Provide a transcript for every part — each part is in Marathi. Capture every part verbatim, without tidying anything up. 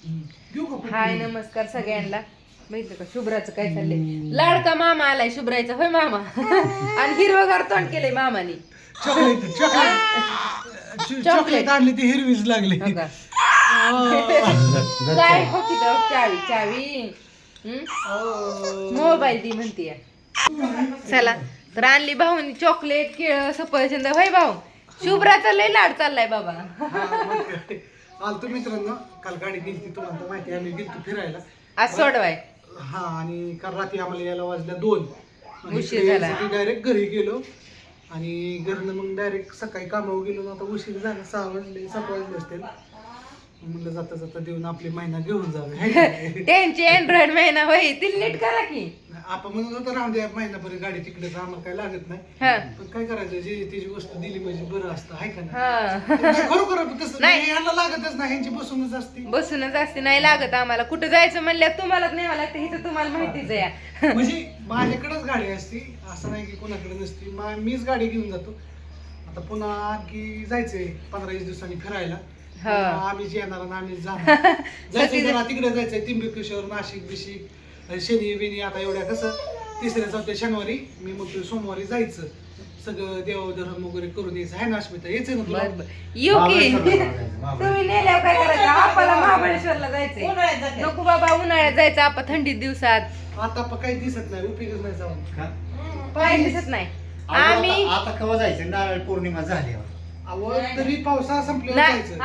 हाय नमस्कार सगळ्यांना. माहिती का शुभ्राचं काय चाललंय? लाडका मामा आलाय शुभ्राचा. होय मामा. आणि हिरवगार तोंड केलंय मामाने. चॉकलेट चॉकलेट चॉकलेट आणली ती हिरवीच लागली. हो का? काय हो की तर चावी चावी मोबाईल दी म्हणतीये. चला तर आणली भाऊनी चॉकलेट केळ सफरचंद. होय भाऊ शुभ्राचा लय लाड चाललाय बाबा. आलतो मित्रांनो, काल गाडी गेली तुम्हाला तर माहिती, आम्ही गेलतो फिरायला आज सोडवाय. हा, आणि काल रात्री आम्हाला यायला वाजल्या दोन. उशीर झाला. डायरेक्ट घरी गेलो आणि घरनं मग डायरेक्ट सकाळी कामावर गेलो ना. आता उशीर झाला, सहा वाजले सात वाजले असतील. म्हणलं जाता जाता देऊन आपली महिना घेऊन जावे. त्यांची अँड्रॉइड महिना होय ती नीट करा की. आपण म्हणत होतो राहून द्या महिनाभर गाडी तिकडेच, आम्हाला काय लागत नाही. पण काय करायचं, जे तिची वस्तू दिली म्हणजे बरं असतं, हाय का नाही? खरोखर तसं नाही, याला लागतच नाही, ह्यांची बसूनच असते. बसूनच असते, नाही लागत आम्हाला. कुठं जायचं म्हणल्यावर तुम्हालाच न्यावं लागतं. इथं तुम्हाला माहितीच आहे. म्हणजे माझ्याकडेच गाडी असते, असं नाही की कोणाकडे नसते. मीच गाडी घेऊन जातो. आता पुन्हा आणखी जायचंय पंधरा वीस दिवसांनी फिरायला. आम्हीच येणार आणि आम्हीच जाणार. जायचंय जरा तिकडे जायचंय, त्र्यंबकेश्वर, नाशिक बिशिक, शनी बिनी. आता एवढ्या कसं तिसऱ्या चौथ्या शनिवारी मी म्हणतो सोमवारी जायचं, सगळं देवधर्म वगैरे करून यायचं. आहे ना अस्मिता, यायचंय ना तुला? येऊ की तुम्ही नेल्यावर काय करायचं? आपल्याला महाबळेश्वरला जायचंय. नको बाबा, उन्हाळ्यात जायचं आपण थंडीत दिवसात. आता पण काही दिसत नाही, उपयोगच नाही जाऊन. काय दिसत नाही. आम्ही आता केव्हा जायचं? नारळ पौर्णिमा झाल्यावर. आवड तरी पावसाळा संपल्यावर जायचं.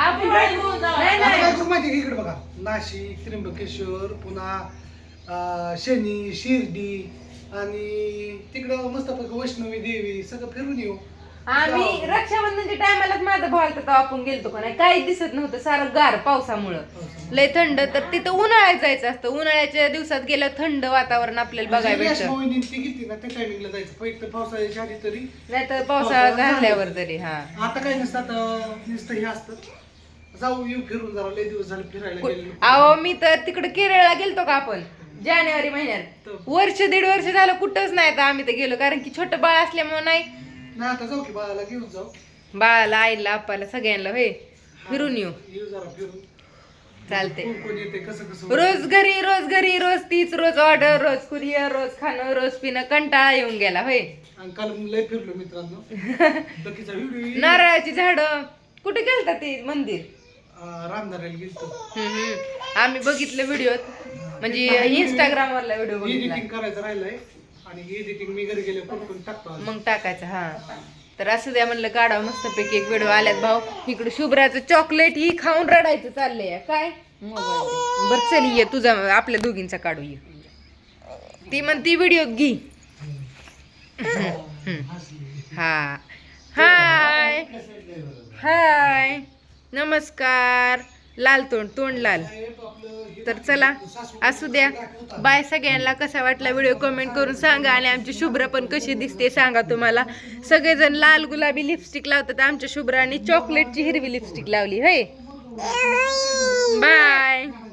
काय करू माहिती इकडे बघा, नाशिक, त्र्यंबकेश्वर, पुन्हा शनी, शिर्डी आणि तिकडं मस्तपैकी वैष्णवी देवी सगळं फिरून येऊ. आम्ही रक्षाबंधनच्या टायमालाच माझा भाऊ आलता तेव्हा आपण गेलतो का नाही, काही दिसत नव्हतं, सारं गार पावसामुळं लय थंड. तर तिथं उन्हाळ्यात जायचं असतं. उन्हाळ्याच्या दिवसात गेलं थंड वातावरण आपल्याला बघायला भेटतं. ती घेतली ना त्या टायमिंगला जायचं, एक तर पावसाळ्याच्या आधी तरी, नाहीतर पावसाळा घालल्यावर तरी. हा, आता काही नसतं, आता नुसतं हे असतं. जाऊ येऊ फिरून, जरा लय दिवस झाले फिरायला गेलेलो. अहो मी तर तिकडे केरळला गेलतो का आपण जानेवारी महिन्यात. वर्ष दीड वर्ष झालं कुठंच नाही तर आम्ही तर गेलो, कारण की छोटं बाळ असल्यामुळे नाही. नाही आता जाऊ की बाळाला घेऊन जाऊ, बाळाला आईला आपाला सगळ्यांना होय फिरून येऊ. येऊ जरा फिरून. चालते. कोण कोण येते, कसं कसं. रोज घरी रोज घरी रोज तीच, रोज ऑर्डर, रोज कुरिअर, रोज खाणं, रोज पिणं, कंटाळा येऊन गेला होय. आणि काल लय फिरलो मित्रांनो. बाकीचा व्हिडिओ नारळाची झाडं कुठे गेलता ते मंदिर? रामधाराला गेलतो. हम्म आम्ही बघितलं व्हिडिओत, म्हणजे इंस्टाग्राम वरला व्हिडिओ बघितला. एडिटिंग करायचं राहिलंय आणि एडिटिंग मी घरी गेले करून टाकतो मग टाकायचं. हा, तर असं द्या म्हणलं काढावं मस्तपैकी एक व्हिडिओ आल्यात. भाऊ इकडे शुभ्राचं चॉकलेट ही खाऊन रडायचं चाललंय. काय मोबाईल बर चल ये तुझा आपल्या दोघींचा काढू ये. ती म्हणती व्हिडिओ घे. हा हाय हाय नमस्कार. लाल तोंड तोंड लाल. तर चला असू द्या, बाय सगळ्यांना. कसा वाटला व्हिडिओ कमेंट करून सांगा. आणि आमची शुभ्रा पण कशी दिसते सांगा. तुम्हाला सगळेजण लाल गुलाबी लिपस्टिक लावतात, आमच्या शुभ्राने चॉकलेटची हिरवी लिपस्टिक लावली. होय बाय.